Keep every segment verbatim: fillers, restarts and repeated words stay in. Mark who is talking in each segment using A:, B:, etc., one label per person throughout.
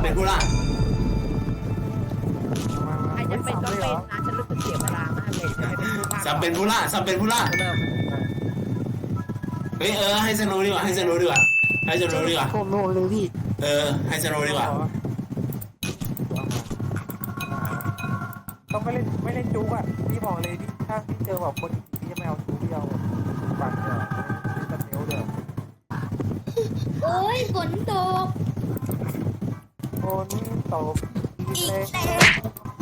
A: เป็นผู้ล่า
B: ใครจะเป็นก็เป็นนะฉันรู้สึกเสียเวลามากเลยจะเป็นผู้ล่า
A: ซับเป็นผู้ล่าซับเป็นผู้ล่าเฮ้ยเออให้สโนดีกว่าให้สโนดีกว่าให้สโนดีกว่า
C: ผมโดนเลยพี่
A: เออให้สโนดีกว่า
D: ต้องไม่เล่นไม่เล่นจู๊กอ่ะพี่บอกเลยพี่ถ้าพี่เจอแบบคนพี่จะไม่เอาจู๊กพี่เอาปั่นเดี๋ยวจะเนี้ยวเดี๋ยว
E: โอ้ยฝนตก
D: โอ้นี่ตบอีก
E: อี
D: เล
E: ก
D: ย
E: แล้ว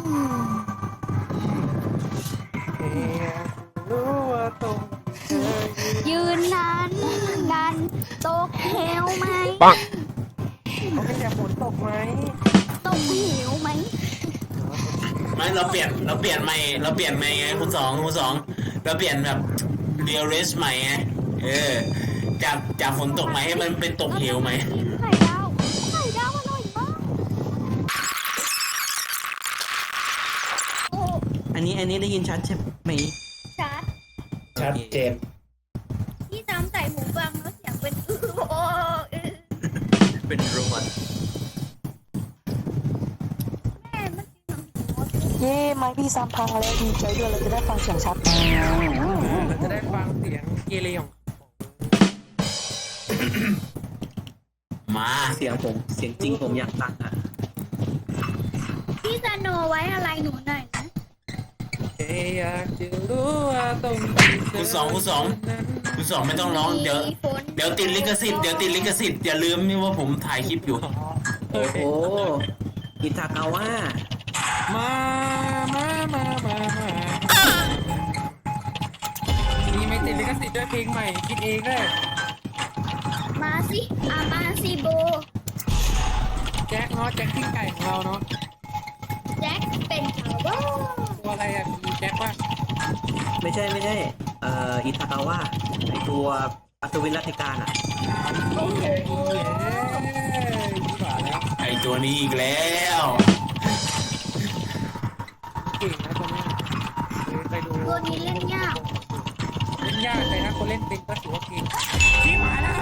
D: เฮ้รู้ว่าตรงเธอ
E: ยืนนานนานตกเหวไหม
D: เขาไม่อยากฝนตกไหม
E: ตกเหวไหม
A: ไม่เราเปลี่ยนเราเปลี่ยนใหม่เราเปลี่ยนใหม่ไงคุณสองคุณสองเราเปลี่ยนแบบเรียลเลสใหม่ไงเออจากจากฝนตกไหมให้มันเป็นตกเหวไหม
E: ไข่ดาวไข่ดาวอร่อยมากโอ้
C: อันนี้อันนี้ได้ยินชัดใช่ไหม
E: ชัด
A: ชัดเจน
E: ที่ซ้ำใส่หูฟังแล้วเสียงเป็นอื้อโอ้อื้อ
C: เป็นรวด
E: แม่มันเสียงหัว
C: เย้ไม้พี่ซ้ำพังแล้วดีใจด้วยเราจะได้ฟังเสียงชัด
D: เราจะได้ฟังเสียงเกเรของ
A: มา
C: เสียงผมเสียงจริงผมอยากฟังอ่ะ
E: พี่สโนไว้อะไรหนูหน่อยนะ
D: เฮ้ยอยากจะรู้ว่าตรง
A: คุณสองคุณสองคุณสองไม่ต้องร้องเดี๋ยว
E: มีฝน
A: เดี๋ยวติดลิขสิทธิ์เดี๋ยวติดลิขสิทธิ์อย่าลืมนี่ว่าผมถ่ายคลิปอยู่
C: โอ้โหอิทากาว่า
D: มามามามามามีไม่ติดลิขสิทธิ์ด้วยเพลงใหม่คิดเองเลย
E: มาสิอามาสิโบ
D: แจ็คเนาะแจ็คกิ้งไก่ของเราเนาะ
E: แจ็คเป็นชาวบ้าน
D: ตัวอะไรอ่ะมีแจ็คป่ะ
C: ไม่ใช่ไม่ใช่เอ่ออิทากาว่าไอตัวอัศวินรัตติการอ่ะ
E: โอ้โห
D: เย้ดีกว่าแล้ว
A: ไอตัวนี้อีกแล้ว
D: เก่งนะตัวนี้ไปดู
E: ตัวนี้เล่นยาก
D: เล่นยากเลยนะคนเล่นเป็นก็ถือว่าเก่งที่มาแล้ว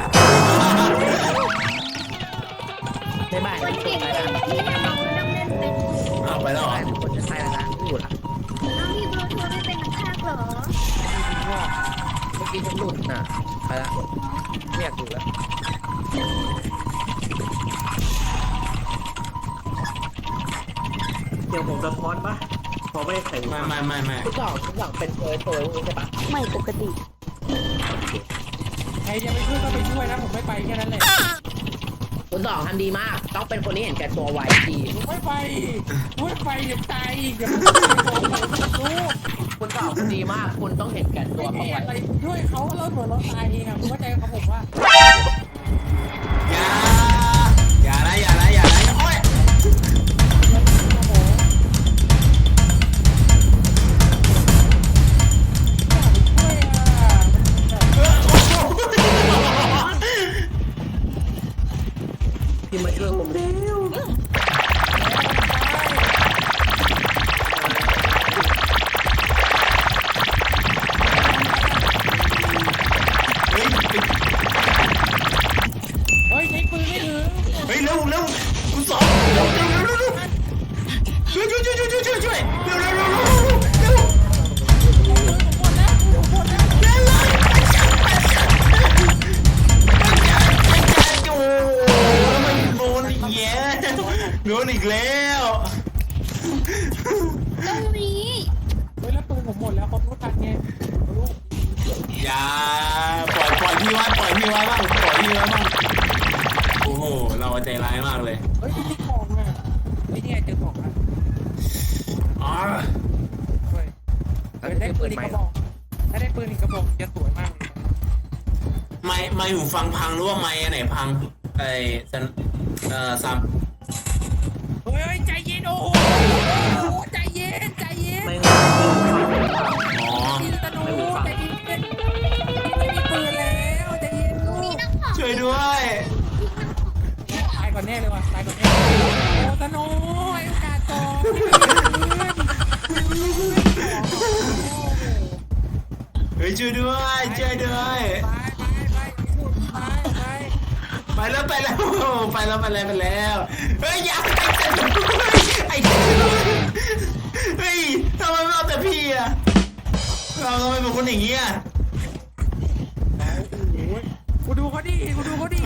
B: ในบ้าน
E: คน
B: มีค
E: เก่
B: น
E: ง
B: ไป
E: เก่
B: แล้ว
E: งที่แน่นอนต้องเล่นเป็น
A: เอาไปแล้วเหรอ
B: มีคนจะใช่แล้วนะพูดอ่ะ
E: น้องพี่บลูทูธไม่เป็นนักพากย์เหรอ
B: เมื่อกี้ฉันหลุดน่ะไปละไม่อยากดูแล้ว
C: เสียงผมสะท้อนปะพอไม่ได้ใส่หู
A: ไม่
C: ฟัง
A: ไม่ไม่ไม่
B: ทุกอย่างทุกอย่างเป็นตัวตัวพวกนี้ใช่ปะ
C: ไม่ปกติ
D: ใครจะไปช่วยก็ไปช่วยนะผมไม่ไปแค่นั้นแหละ
B: คุณสองทำดีมาก ต้องเป็นคนที่เห็นแก่ตัวไว้ที
D: ไม่ไปไม่ไปเดี๋ยวตายอีกเดี๋ยวรู้
B: คุณสองคุณดีมาก คุณต้องเห็นแก่ตัว
D: ไม่
B: เขา
D: มี
B: ไว้
D: อะไรด้วยเขาแล้วเหมือนเราตายเองอ่ะคุณเข้าใจกับผมว่า
A: อย่าอย่านะอย่านะอย่านะโอ้ย
D: โอ้โหช่วยอ่ะ
C: พี่มาช่วยผมเร็ว
A: เฮ้ย
D: เฮ้ยใช้ปืนไม่ถึง
A: เฮ้ยเร็วเร็วคุณสองเร็วเร็วเร็วเร็วเร็วช่วยช่วยช่วยช่วยช่วยช่วยช่วยเร็วเร็วเร็วเร็วเร็ว
D: หมดแล้วหมดแล้ว
A: เร็วเลยโอ้มันโดนอีกแล้วโดนอีกแล้ว
E: ตรงนี้
D: เฮ้ยแล้วปืนผมหมดแล้วขอโทษกันไงลูก
A: อย่าปล่อยปล่อยพี่ไว้ปล่อยพี่ไว้บ้างปล่อยพี่ไว้บ้างโอ้โหเราใจร้ายมากเลย
D: เฮ้ยที่ของอ่ะไอ้นี่ไงเจอของอ่ะ
A: อ๋อ
D: เฮ้ยเฮ้ยได้ปืนอีกกระบอกถ้าได้ปืนอีกกระบอกจะสวยมากเลย
A: ไม่ไม่หูฟังพังหรือว่าไม่อันไหนพังไอ้สันเอ่อซัม
D: เฮ้ยใจเย็นโอ้โหใจเย็นใจเย็น
C: ไม่
A: อ๋อ
D: ยิงตะนูใจเย็นไม่มีปืนแล้วใจเย็นลูก
E: มีนักข่าว
A: ช่วยด้วย
D: ตายก่อนแน่เลยว่ะตายก่อนแน่โอ้ตะนูไอ้โอกาสต่อ
A: เฮ้ยช่วยด้วยช่วยด้วย
D: ไปไปไปไปไป
A: แล้วไปแล้วไปแล้วไปแล้วไปแล้วเฮ้ยอย่าไอ้เฮ้ยทำไมไม่เอาแต่พี่อะเราทำไมเป็นคนอย่างเงี้ย
D: กูดูเขาดิกูดูเขาดิ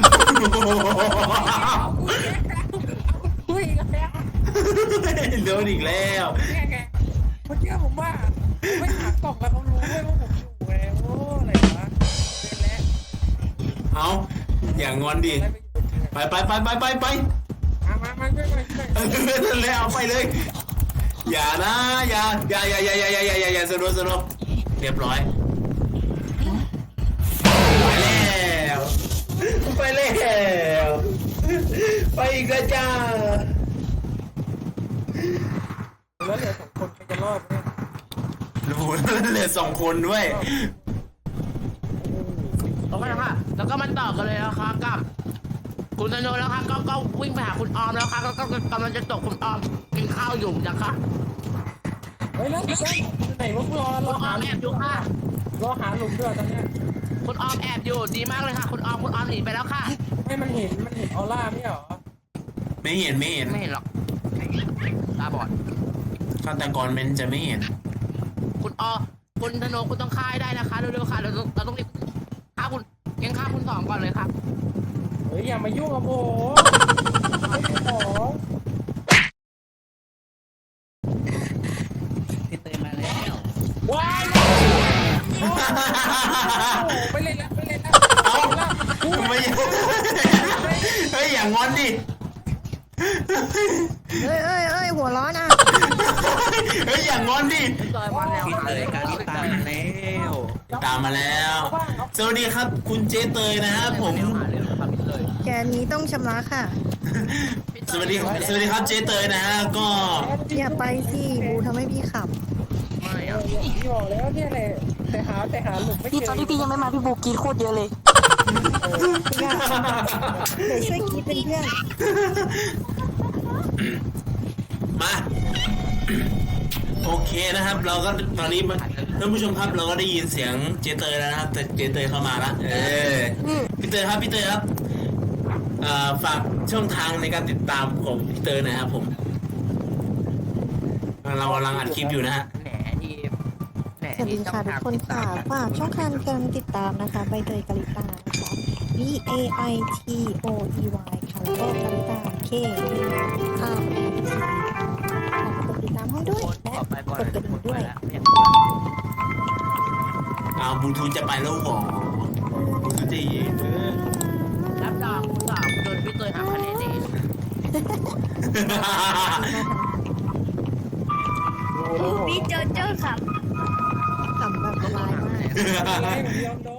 D: คุยกันแล้ว
A: โดนอีกแล้ว
D: แกแกเมื่อกี้ผมว่าไม่หากล่องแล้วเขารู้ด้วยว่าผมอยู่แล้วโอ้อะไรวะเป็นแล้ว
A: เอาอย่างงอนดิไปไปไปไปไปไป
D: มามามาช่วยมาช่วย
A: นั่นแหละเอาไปเลย อย่านะอย่าอย่าอย่าอย่าอย่าอย่าอย่าอย่าสนุกสนุกเรียบร้อยไปแล้วไปแล้วไปอีกแล้วจ้า
D: แล้วเหลือสองคนใครจะรอดเนี่ย
A: รู้เหลือสองคนด้วย
B: โอเคค่ะแล้วก็มาต่อกันเลยนะคะกับคุณธนูแล้วค่ะก็ก็วิ่งไปหาคุณออมแล้วค่ะก็ก็กำลังจะตกคุณออมกินข้าวอยู่นะคะ
D: เฮ้ยแล้วไหนวะรอร
B: คุ
D: อ
B: ณออ
D: หาม
B: แอบอยู่ค่ะ
D: รอหาหลุมด้วยตอนเนี้ย
B: คุณออมแอบอยู่ดีมากเลยค่ะ คุณออมคุณออมหนีไปแล้วค่ะ
D: ให้มันเห็นมันเห็นออร่าไม่เหรอ
A: ไม่เห็นไม่เห็น
B: ไม่เห็นหรอกตาบอด
A: ฆาตกรมันจะไม่เห็น
B: คุณออคุณธนูคุณต้องฆ่าให้ได้นะคะเร็วๆค่ะเราต้องเราต้องรีบฆ่าคุณยังฆ่าคุณสองก่อนเลยครับ
D: เฮ้ยอย่ามายุ่งกับผมไม่ได้ของ
C: พี่เตยมาแล้ว
D: ว้ายไปเล่นแล้วไปเล่นแล้ว
A: เอ้าไม่เฮ้ยอย่างงอนดิ
E: เอ้ยเอ้ยเอ้ยหัวร้อนอ่ะ
A: เฮ้ยอย่างงอนดิ
B: จอยมาแล้ว
C: พี่เตยการที่ตามมาแล้ว
A: ตามมาแล้ว สวัสดีครับคุณเจเตยนะครับผม
E: แกนี้ต้องชำระค่ะ
A: สวัสดีสวัสดีครับเจเตยนะฮะก็
E: อย่าไปสิบูทำให้พี่ขับ
B: ไม่อะ
D: พี่บอกแล้วเนี่ยแหละแต่หาแต่หาหลุมไม่เจ
F: พี่ตอน
D: อ
F: ที่พี่ยังไม่มาพี่บูกรีดโคตรเยอะเลย
E: อย่าเดี๋ยวช่วยคิดเป็นเพื่อน
A: มาโอเคนะครับ เราก็ตอนนี้ท่านผู้ชมครับเราก็ได้ยินเสียงเจเตยแล้วนะครับแต่เจเตยเข้ามาละเออพี่เตยครับพี่เตยครับเอ่อฝากช่องทางในการติดตามของพี่เตยหนะครับผมเรากำลังอัดคลิปอยู่นะฮะ
B: แหนที่แหน
E: สวัส
B: ที่
E: ดี
B: ต้อ
E: ค่ะ
B: ง
E: ทุก
B: ทำ
E: คนค่ะฝากช่องทางการติดตามนะคะใบเตยกาลิตานะคะ V A I T O E Y ค่ะแล้วก็กาลิตา K U R L T ค่ะฝากกดติดตามให้ด้วย
B: คน
E: และ
B: ต่อไปก่อน
E: กดกระดิ่งด้วย
A: เอาบลูทูธจะไปแล้วหรอบลูทูธจะยิงเออ
B: รับรองคุณสอบโดนพี่เตยหักคะแนนเอง
E: พี่โจโจ้ขับขับแบบละลายมาก
D: อะไรผมยอมโดน